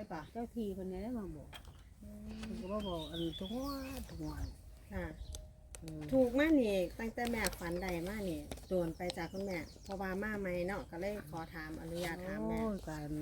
ได้ปะเจ้าทีคนนี้ได้มาบอกคุณก็บอกอันทุกวันค่ะถูกมากนี่ตั้งแต่แม่ฝันใดมากนี่โดนไปจากคุณแม่เพราะว่ามาใหม่เนาะก็เลยขอถามอนุญาตถามแม่การ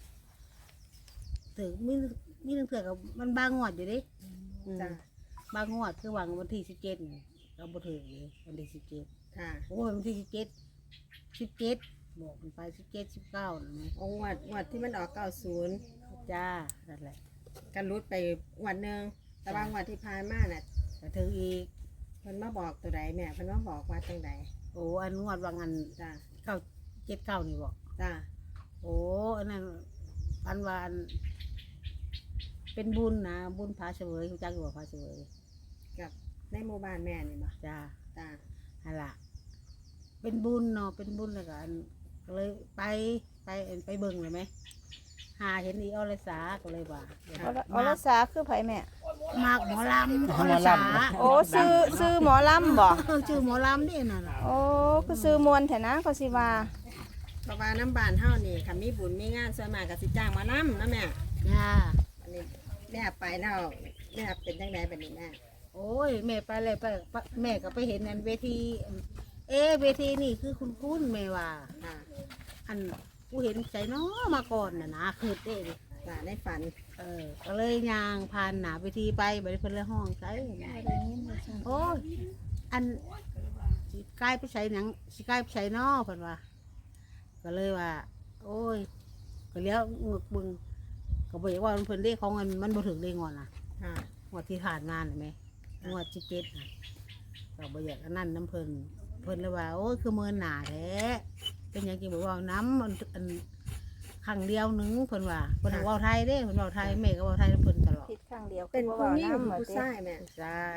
ถึงมีเถื่อกับมันบางงวดอยู่ดิจ้ะบางงวดคือวันที่17เราบ่ถึงวันที่17 ค่ะโอ้วันที่17บอกมันไป17 19นะมั้ยองวัดที่มันออก90 จ้านั่นแหละกันรุดไปวันนึงแต่บางวันที่ผ่านมาน่ะก็ถึงอีกเพิ่นมาบอกตัวใดแม่เพิ่นมาบอกว่าจังใดโอ้อันงวดว่างันจ้ะ 79นี่บอกจ้ะโอ้อันนั้นอันวานเป็นบุญนะบุญพาเสวยรู้จักอยู่บ่พาเสวยกับในหมู่บ้านแม่นี่บ่จ้าจ้ะหั่นล่ะเป็นบุญเนาะเป็นบุญแล้วก็ก็เลยไปเบิ่งเลยไหมหาเห็นอีอรสาก็เลยว่าอรสาคือไผแม่มากหมอลำอรสาโอ้ซื้อหมอลำบ่ชื่อหมอลำนี่น่ะโอ้คือซื้อมวลแท้นะก็สิว่าเพราะว่าน้ำบ้านเฮานี่ค่ะมีบุญมีงานส่วนมากก็สิจ้างมานำนะแม่จ้าอันนี้แม่ไปแล้วแม่เป็นจังไดบัดนี้แม่โอ้ยแม่ไปเลยไปแม่ก็ไปเห็นอันเวทีเวทีนี่คือคุณแม่ว่าอันกูเห็นใจน้อมาก่อนน่ะนะคือเด้จ้ะในฝันก็เลยย่างผ่านหน้าเวทีไปบ่ได้เพิ่นเลยห้องใส่โอ้ยอันสิกลายไปใส่หนังสิกลายไปใส่น้อเพิ่นว่าก็เลยว่าโอ้ยก็เลี้ยวงึกบึงก็บอกว่าเพิ่นได้ของมันบ่ถึงได้งอนน่ะงวดที่ผ่านงานเห็นไหมงวด17น่ะก็บ่อยากอันนั้นน้ำเพิ่นเลยว่าโอ้ยคือเมินหนาแท้เป็นหยังกินบอกว่าน้ำอันครั้งเดียวนึงเพิ่นว่าเพิ่นเว้าไทยเด้เพิ่นเว้าไทยแม่ก็เว้าไทยเพิ่นตลอดผิดครั้งเดียวเป็นผู้หญิงผู้ชายแม่ใช่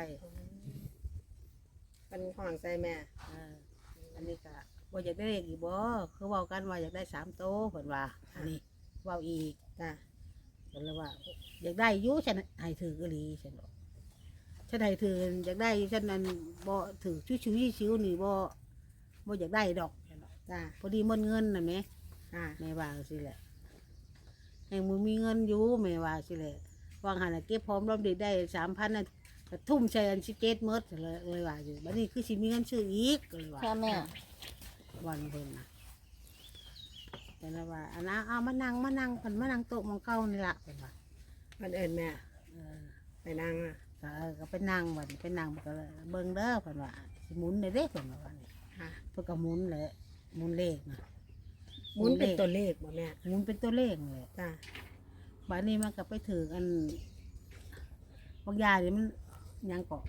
เป็นของใส่แม่อันนี้ก็บ่อยากได้เลขอีกบ่คือเว้ากันว่าอยากได้3โตเพิ่นว่าอันนี้เว้าอีกจ้ะเพิ่นเลยว่าอยากได้อยู่ฉันให้ถืออีหลีฉันบอกฉันให้ถืออยากได้ฉันนั้นบ่ถือชิวๆนี่บ่อยากได้ดอกจ้ะพอดีมันเงินน่ะแม่แม่ว่าสิแหละแห่งมึงมีเงินอยู่แม่ว่าสิแหละวางหันเก็บพร้อมรอบเด็กได้3,000น่ะทุ่มใช้อัน17หมดเลยว่าอยู่บัดนี้คือสิมีเงินซื้ออีกก็เลยว่าค่ะแม่วันเพิ่นน่ะแต่ละว่าอันนั้นเอามานั่งเพิ่นมานั่งโต๊ะมองเก่านี่ล่ะเพิ่นว่ามันเอิ้นแม่ไปนั่งก็ไปนั่งบัดไปนั่งก็เบิ่งเด้อเพิ่นว่าสิหมุนได้เด้เพิ่นว่าเพิ่นก็หมุนแหละหมุนเลขนะหมุนเป็นตัวเลขบ่แม่หมุนเป็นตัวเลขเลยจ้ะบัดนี้มันก็ไปถืออันบางยานี่มันยังเกาะ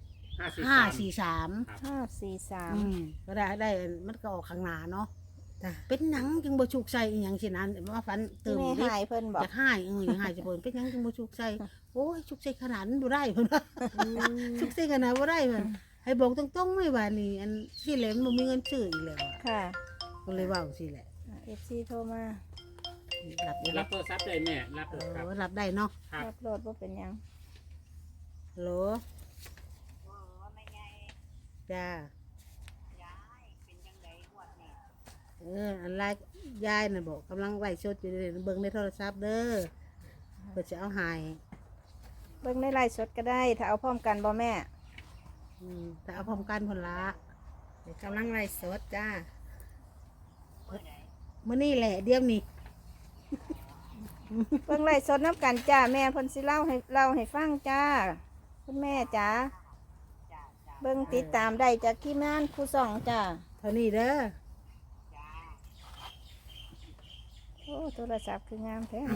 543ก็ได้มันก็ออกข้างหน้าเนาะเป็นหนังจึงบ่ฉุกใส่อีหยังสินั้นว่าฝันเติมดิหายเพิ่นบอกอยากหายอยากหายสิเพิ่นเป็นหยังจึงบ่ฉุกใส่โอ้ยฉุกใส่ขนาดนั้นบ่ได้เพิ่นฉุกใส่ขนาดบ่ได้เพิ่นให้บอกตรงๆไม่ว่านี่อันสิแหลมบ่มีเงินซื้ออีกแล้วค่ะก็เลยเว้าสิแหละ FC โทรมารับโทรศัพท์ได้แม่รับครับรับได้เนาะรับโหลดบ่เป็นหยังฮัลโหลจ้าอันไลน์ยายน่ะบอกกำลังไล่สดอยู่เลยเบิ่งในโทรศัพท์เด้อเพื่อจะเอาหายเบิ่งในไลน์สดก็ได้ถ้าเอาพร้อมกันบ่แม่แต่เอาพร้อมกันผลละกำลังไล่สดจ้ามื้อนี้แหละเดี๋ยวนี้เบิ่งไลน์สดน้ำกันจ้าแม่เพิ่นสิเล่าให้ฟังจ้าคุณแม่จ้าเบิ่งติดตามได้จากทีมงานครูส่องจ้าเท่านี้เด้อโอ้โทรศัพท์คืองามแท้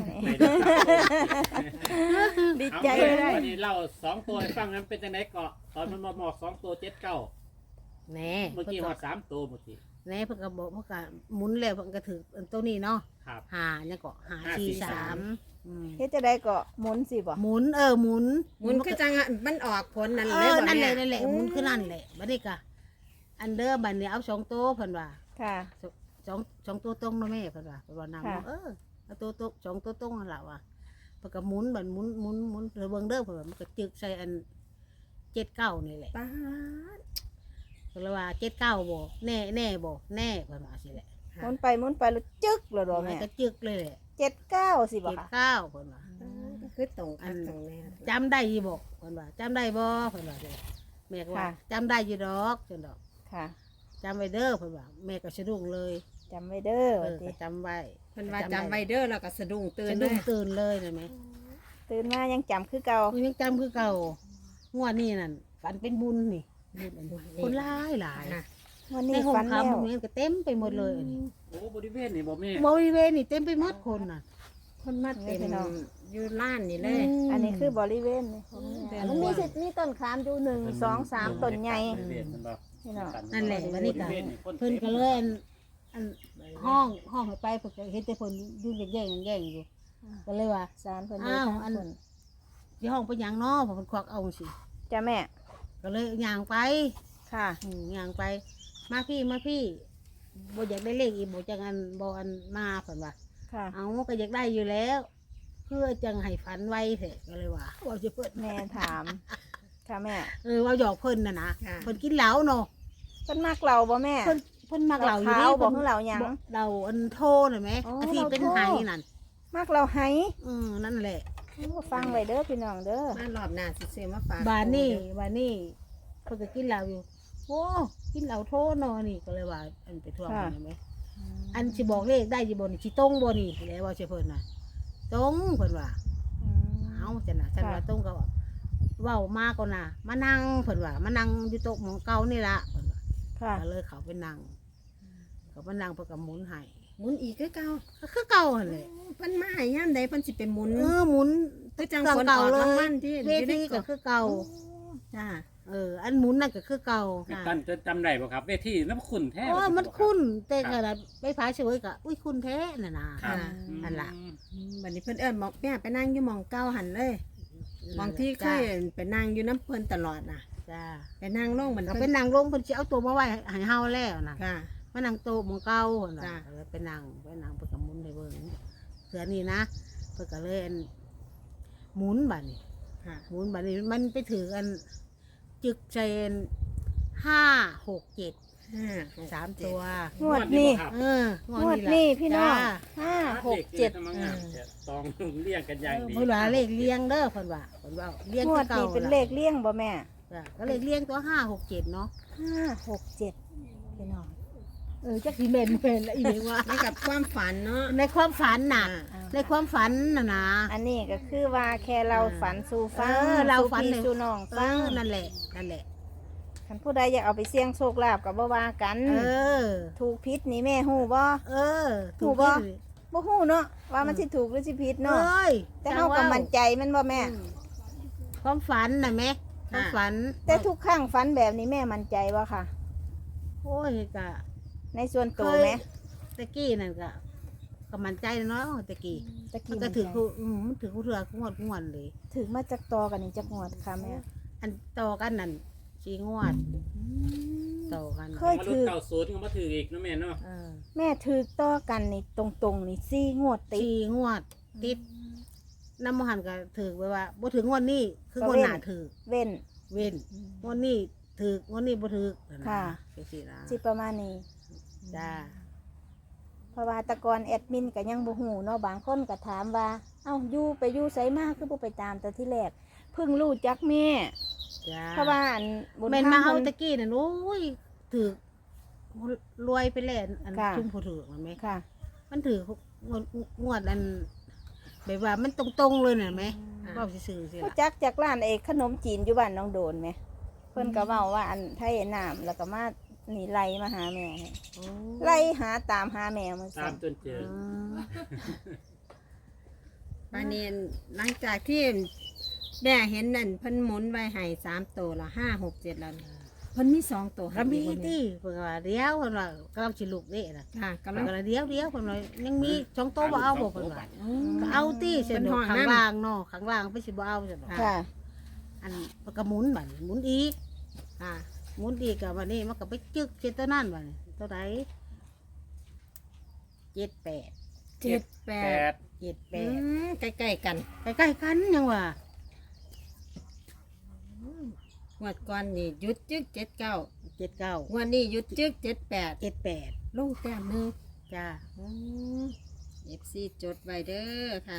ดีใจเลยวันนี้เล่า2ตัวให้ฟังนั้นเป็นจังได๋เกาะตอนมันมาบอก2ตัว79 แน่เมื่อกี้ฮอด3ตัวเมื่อกี้แน่เพิ่นก็บอกเพิ่นก็หมุนแล้วเพิ่นก็ถือตัวนี้เนาะ5เนี่ยก็543 เฮ็ดจังได๋ก็หมุนสิบ่หมุนหมุนคือจังมันออกผลนั่นเลยบ่นั่นแหละหมุนคือนั่นแหละบัดนี้ก็อันเด้อบัดนี้เอา2ตัวเพิ่นว่าค่ะ 2ตัวตรงเนาะแม่เพิ่นว่านํเอาตัวตรง2ตัวตรงนั่นล่ะว่าเพิ่นก็หมุนบัดหมุนเบิ่งเด้อเพิ่นว่ามันก็จึกใส่อัน79นี่แหละป๊าดก็เลยว่า79บ่แน่บ่แน่เพิ่นว่าสิแหละหมุนไปแล้วจึกแล้วดอกแม่ก็จึกเลยแหละ 79สิบ่เจ็ดค่ะเก้าเพิ่นว่าก็คือตรงกันตรงนี้จำได้อยี่บ่เพิ่นว่าจำได้บ่เพิ่นว่าเด้แม่ก็ว่าจำได้อยู่ดอกจังดอกค่ะจำไว้เด้อเพิ่นว่าแม่ก็สะดุ้งเลยจำไว้เด้อเอว่าอติก็จำไว้เพิ่นว่าจำไว้เด้อแล้วก็สะดุ้งตื่นสะเลดุ้งยตื่นเลยนะแม่ตื่นมายังจำคือเก่ามันยังจำคือเก่างวดนี้นั่นฝันเป็นบุญนี่บุญอันนี้คนหลายหลายค่ะวันในนี้ห้องฝันคำแล้วพวกนี้ก็เต็มไปหมดเลยอันนี้โอ้บริเวณนี่บ่แม่บริเวณนี่เต็มไปหมดคนน่ะคนมาเต็มอยู่ล้านนี่เลยอันนี้คือบริเวณนี่ของแม่มันมีสิมีต้นขามอยู่1 2 3ต้นใหญ่บริเวณมันบ่พี่น้องนั่นแหละวันนี้ก็บริเวณนี่คนเพิ่นก็เลยอันห้องให้ไปเพิ่นก็เห็นแต่เพิ่นยุ่งแย่งอยู่ก็เลยว่าศาลเพิ่นอ้าวทางอันเพิ่นที่ห้องไปหยังเนาะเพราะเพิ่นควักเอาสิจ้าแม่ก็เลยย่างไปค่ะย่างไป มาพี่บ่อยากได้เลขอีกบ่จังอันบ่อันมาเพิ่นว่าค่ะเอาก็อยากได้อยู่แล้วเพื่อจังให้ฝันไวเถอะก็เลยว่าว่าจะเพิ่นแม่ถาม ค่ะแม่ว่าหยอกเพิ่นน่ะนะเพิ่นกินเหล้าเนาะเพิ่นมักเราบ่แม่เพิ่นมักเหล้าอยู่ขาวบ่คือเหล้าหยังเหล้าอันโทน่ะแหมอ๋ออันที่เป็นเหล้าโทไหนั่นมักเราให้นั่นแหละฟังไว้เด้อพี่น้องเด้อมารอบหน้าสิซื้อมาฝากบานนี่เพิ่นก็กินเหล้าอยู่โอ้กินเหล้าโทเนาะนี่ก็เลยว่าอันไปท่วงมันเห็นไหมอันสิบอกเลขได้สิบ่นี่สิตรงบ่นี่แล้วว่าสิเพิ่นน่ะตรงเพิ่นว่า เอาจังนะฉันว่าต้องก็เว้ามาก่อนนะมานั่งเพิ่นว่ามานั่งอยู่โต๊ะหมองเก่านี่ละเพิ่นว่าค่ะก็เลยเขาไปนั่งเขาไปนั่งเพิ่นก็หมุนให้หมุนอีกคือเก่าก็คือเก่าหั่นแหละเพิ่นมาให้ยามใดเพิ่นสิไปหมุนหมุนคือจังคนออกรางวัลที่เวทีก็คือเก่าจ้าอันหมุนนั่นก็คือเก่ากันจะจำได้บ่ครับเวทีน้ำขุ่นแท้โอ้มันคุ้นแต่ก็ไปพาเฉยก็อุ้ยคุ้นแท้น่ะนะครับ อันละบัดนี้เพิ่นเอิ้นบอกแม่ไปนั่งอยู่หมองเก่าหันเลยหมองที่เคยไปนั่งอยู่น้ำเพิ่นตลอดน่ะจ้าไปนั่งลงมันก็เพิ่เป็น นนางลงเพิ่นสิเอาตัวมาไว้ให้เฮาแล้วนะค่ะมานั่งโต๊ะหมองเก่าหั่นน่ะจ้ะก็เลยไปนั่งเพิ่นก็หมุนให้เบิ่งเสือนี่นะเพิ่นก็เลยหมุนบัดนี้ค่ะหมุนบัดนี้มันไปถือกันจึกเจน5 6 7 3 ตัวงวดนี้ครับงวดนี้พี่น้องจ้า 5 6 7 ทำงานตองเรียงกันอย่างดีเพิ่นว่าเลขเลี้ยงเด้อเพิ่นว่าเลี้ยงงวคือดเก่านี้เป็นเลขเลี่ยงบ่แม่จ้ะก็เลขเลี้ยงตัว5 6 7เนาะ 5 6 7พี่น้องจักสิแม่นแล้วอีเด้ว่านี่กับความฝันเนาะในความฝันน่ะอ่าในความฝันน่ะนะอันนี้ก็คือว่าแค่เราฝันสู่ฟังเราสู่ฝันพี่เลยสู่น้องฟังนั่นแหละนั่นแหละคันผู้ใดอยากเอาไปเสี่ยงโชคลาภก็บ่ว่ากันอถูกผิดนี่แม่ฮู้บ่เออถูกบ่ บ่ฮู้เนาะว่ามันสิถูกหรือสิผิดเนาะเนาะเอ้ยแต่เฮาก็มั่นใจแมันบ่แม่ความฝันน่ะแม่ความฝันแต่ทุกครั้งฝันแบบนี้แม่มั่นใจบ่ค่ะโอ้ยก็ในส่วนตัวแม่ตะกี้นั่นก็มั่นใจเนาะตะกี้ตะมักี้นก็มั่นถือใจมันถือเถื่องวดเลยถึงมาจากตอกันนี่จักงวดค่ะแม่อันต่อกันนั่น4 งวดต่อกันเคยมาลุ้นเก่าศูนย์ก็มาถืออีกนะแม่เนาะแม่ถือต่อกันนี่ตรงๆนี่4งวดติด 4 งวดติดน้ำมหันก็ถือไว้ว่าบ่ถึงงวดนี้คืองวดหน้าถือเว้นเว้นงวดนี้ถืองวดนี้บ่ถือค่ะจังซี่นะสิประมาณนี้จ้าเพราะว่าแตะกอนแอดมินก็ยังบ่ฮู้เนาะบางคนก็ถามว่าเอ้าอยู่ไสมาคือบ่ไปตามแต่ที่แรกเพิ่งรู้จักแม่จ้าเพราะว่าอันบุญแม่นธรรมาเอาพิ่นตะกี้น่ะโอ้ยถือรวยไปแล้วอันค่ะชุ่มผู้ถือมันไหม ค่ะค่ะมันถืองวดอันแบบว่ามันตรงๆเลยน่ะไหมก็ซื่อๆสิรู้ล่ะจักจากร้านไอ้ขนมจีนอยู่บ้านน้องโดนไหมเพิ่นก็เว้าว่าอันไทยน้ำแล้วก็มานี่ไล่มาหาแม่ให้โอ้ไล่หาตามหาแม่มันตาสั่มนจนเจอปานนี้หลังจากที่แม่เห็นนั่นเพิ่นหมุนไว้ให้3ตัวละ5 6 7แล้วเพิ่นมี2ตัวให้ก็มีอีกบ่แที่เพิ่นว่าเดียวเพิ่นว่ากำลังสิลุกนี่น่ะค่ะกำเพิ่ลันงก็เดียวเพิ่นว่ายังมีช่องโตบ่เอาบ่เพิ่นว่าก็เอาตี้เส้นเพิ่นห้องข้างนั่นล่างเนาะข้างล่างไปสิบ่เอาซั่นเนาะค่ะอันมันก็หมุนบัดนี้หมุนอีกค่ะหมุนอีกก็วันนี้มันก็ไปจึกเจ็ดตัวนั่นบัดนี้ตัวไหน7 8 7 แป 8 ด 7 ใกล้ๆกัน 8ใกล้ๆกันยังว่างวดก่อนนี่หยุดจึก79 7 9 งวดนี้หยุดจึก78 7 8 ลงแต้มหนึงจ้าอืม FC จดไว้เด้อค่ะ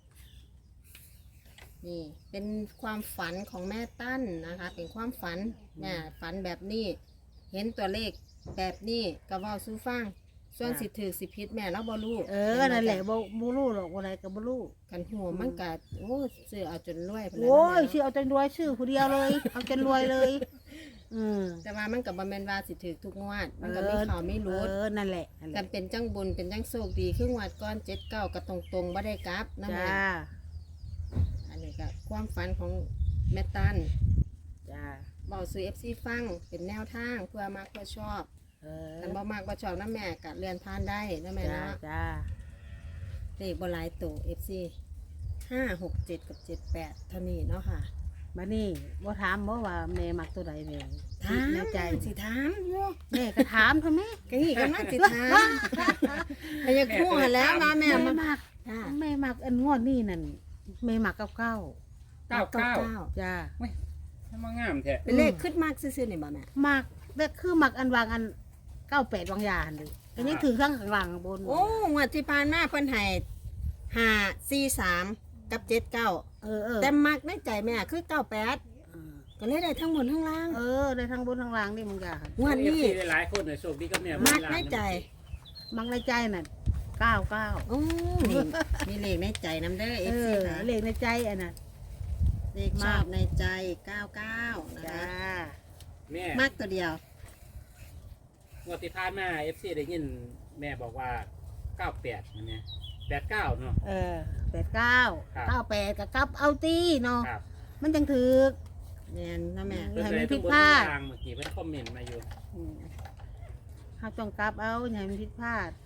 นี่เป็นความฝันของแม่ตั้นนะคะ เป็นความฝันแม่ฝันแบบนี้ เห็นตัวเลขแบบนี้ก็เว้าสู่ฟัง ส่วนสิถือสิผิดแม่เราบ่รู้นั่นแหละบ่รู้หรอกอะไรก็บ่รู้กันหัวมันก็โอ้ซื้อเอาจนรวยพุ่นแหละโอ้ยเนาะชื่อเอาจนรวยชื่อผู้เดียวเลย เอาจนรวยเลยแต่ว่ามันก็บ่แม่นว่าสิถือทุกงวด มันก็มีข่าวมีรุดนั่นแหละนั่นแหกัละนเป็นจังบุญเป็นจังโชคดีคืองวดก่อน79ก็ตรงๆบ่ได้กลับนะจ้าแม่อันนี้ก็ความฝันของแม่ตันจ้าเบาสู่ FC ฟังเป็นแนวทางเพื่อมักเพื่อชอบแต่บ่มักบ่ชอบนะแม่ก็เลื่อนผ่านได้นะแม่จ้าเนาะจ้าเลขบ่หลายตัว FC 5 6 7 กับ 78เท่านี้เนาะค่ะมานี่บ่ถามบ่ว่าแม่มักตัวใดแม่ถามในใจสิถามอยู่แม่ก็ถามทำไมก็นี่กำลังสิถามให้อยากคู่หันแล้วเนาะแม่แม่มันมักจ้าแม่มักอันงวดนี่นั่นแม่มักเก้า 99 จ้าทำมางามแท้เป็นเลขขึ้นมากซื่อๆนี่บ่แม่มักแต่คือมักอันวางอัน98วางยาหั่นเลยอันนี้ถือข้างหลังบนโอ้งวดที่ผ่านมาเพิ่นให้543กับ79 แต่มักในใจแม่คือ98ก็เลยได้ทั้งหมดทั้งล่างได้ทั้งบนทั้งล่างนี่มึงจ้างวดนี้ได้หลายคนเลยโชคดีกับแม่มักในใจมักในใจน่ะ99 โอ้นี่มีเลขในใจนำเด้อ FC ค่ะเลขในใจอันน่ะเลขชอบในใจ 99 นะจ้าคะแม่มักตัวเดียวงวดที่ผ่านมา FC ได้ยินแม่บอกว่า98มันเนี่ย89เนาะ 89 ครับ 98กับกลับเอาตีเนาะครับมันจังถือแม่นนะแม่เพิ่นให้เลมัยนผิทุกดบนพลาดทางเมื่อกี้เพิ่นคอมเมนต์มาอยู่เฮาต้องกลับเอาอย่าให้มันผิดพลาด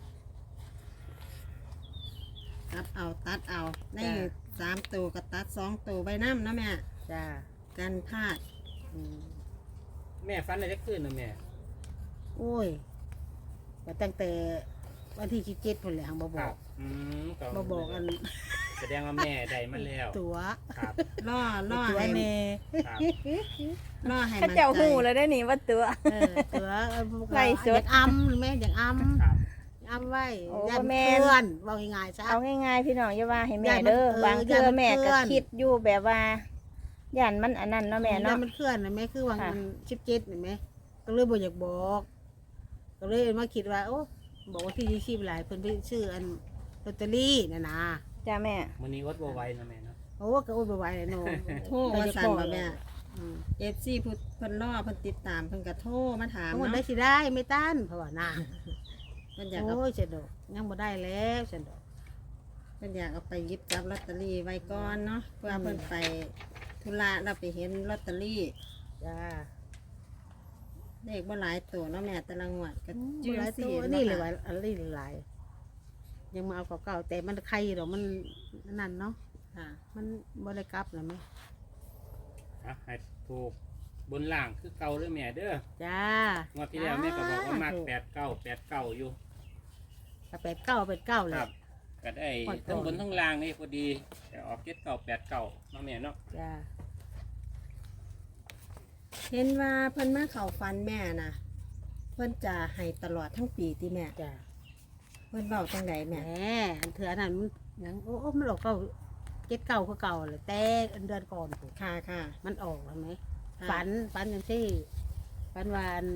ตัดเอาตัดเอาในจ้ะ 3ตัวกับตัด2ตัวใบน้ำนะแม่จ้ากันพลาดแม่ฟันอะไรจะขึ้นนะแม่โอ้ยก็ตั้งแต่วันที่17พุ่นแหละหังบ่บคอรักก็บ่บอกอันแสดงว่าแม่ได้มาแล้วตัวครับล่อตัวให้แน่ครับล่อให้เขามันเจ้าใจหูแล้วได้นี่ว่าตัวตัวไล่สดอยากอ้ำแม่อยากอ้ำครับอ้ำไว้โอ้ยันแม่เพื่อนว่าง่ายๆซะเอาง่ายๆพี่น้องอย่าว่าให้แม่ย่านมันเด้อบางเทื่อแม่ก็ย่านมันเคลื่อนคิดอยู่แบบว่าย่านมันอันนั้นเนาะแม่ยัเนาะนมันเคลื่อนนะแม่คือว่าค่ะมัน17เห็นไหมก็เลยบ่อยากบอก ก็เลยมาคิดว่าโอ้บอกว่าที่ชีพหลายเพิ่นไปชื่ออันลอตเตอรี่น่ะนะจ้าแม่มื้อนี้อดบ่ไหวนะแม่เนาะโอ้ก็โอ้ยบ่ไหวเลยเนาะโทรว่าสั่นบ่แม่อืม FC เพิ่นล่อเพิ่นติดตามเพิ่นก็โทรมาถามทั้งหมดได้เนาะสิได้ไม่ต้านเพราะว่าน่ะเพิ่นอยากเอาโอ้ยเฉันดอกยังบ่ได้แล้วฉันดอกเพิ่นอยากเอาไปหยิบจับลอตเตอรี่ไว้ก่อนเนาะเพื่อเพิ่นไปธุระเราไปเห็นลอตเตอรี่จ้าเลขบ่หลายตัวเนาะแม่แต่ละงวดก็บ่จื้อหลายสิตัวเนาะนี่เลยค่ะว่าอันนี้หลายยังมาเอาเก่าๆแต่มันใครดอกมันนั่นเนาะค่ะมันบ่ได้กลับนะแม่ให้ถูกบนล่างคือเก่าเลยแม่เด้อจ้างวดที่แล้วแม่ก็บอกว่ามาก89อยู่ก็89เลคยรับ ก็ได้ขอโทษทั้งบนทั้งล่างนี่พอดี แต่ออก7989เนาะแม่เนาะจ้าเห็นว่าเพิ่นมาเข้าฝันแม่น่ะ เพิ่นจะให้ตลอดทั้งปีที่แม่จ้าเพิ่นเว้าจังไดแหมแม่อันเถื่อนั่นมันหยังโอ้มันออก79คือเก่าเลยแต่อันเดือนก่อนพุ่นค่ะค่ะมันออกเห็นไหมค่ะฝันอย่างที่ฝันวาอัน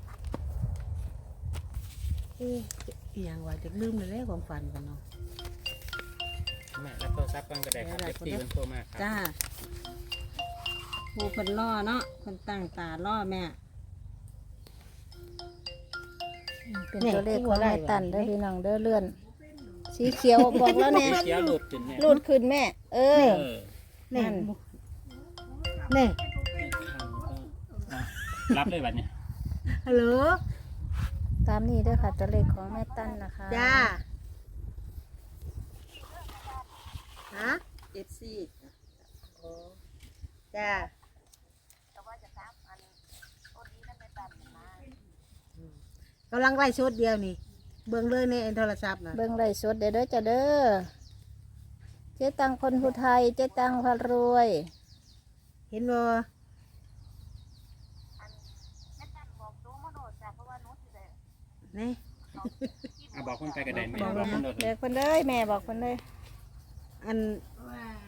เอ๊ะอหย่างว่าจะลืมเลยแล้วความฝันกันเนาะแม่รับโทรศัพท์กันก็ได้ครับได้เอฟซีมันโทรมาครับจ้าผู้เพิ่นล่อเนาะเพิ่นตั้งตาล่อแม่เป็นตัวเลขของแม่ตันเด้อพี่น้องเด้อเลื่อน สีเขียวบอกแล้วแน่เขียวหลุดขึ้นแม่รูดขึ้นแม่ เออเออแน่นั่นแน่รับเลยบัดเนี่ยฮัลโหลตามนี้เด้อค่ะตัวเลขของแม่ตันนะคะจ้าฮะ FC จ้า กำลังไล่ชุดเดียวนี่ เบิ่งเลยในโทรศัพท์นะเบิ่งไล่สดเด้อเด้อจ้าเด้อเจ๊ตังคนผู้ไทยเจ๊ตังพารวยเห็นบ่นี่บอกคนไปกระไดแม่บอกบอกคนเลเลยยเพิ่นเลยแม่บอกเพิ่นเลยอัน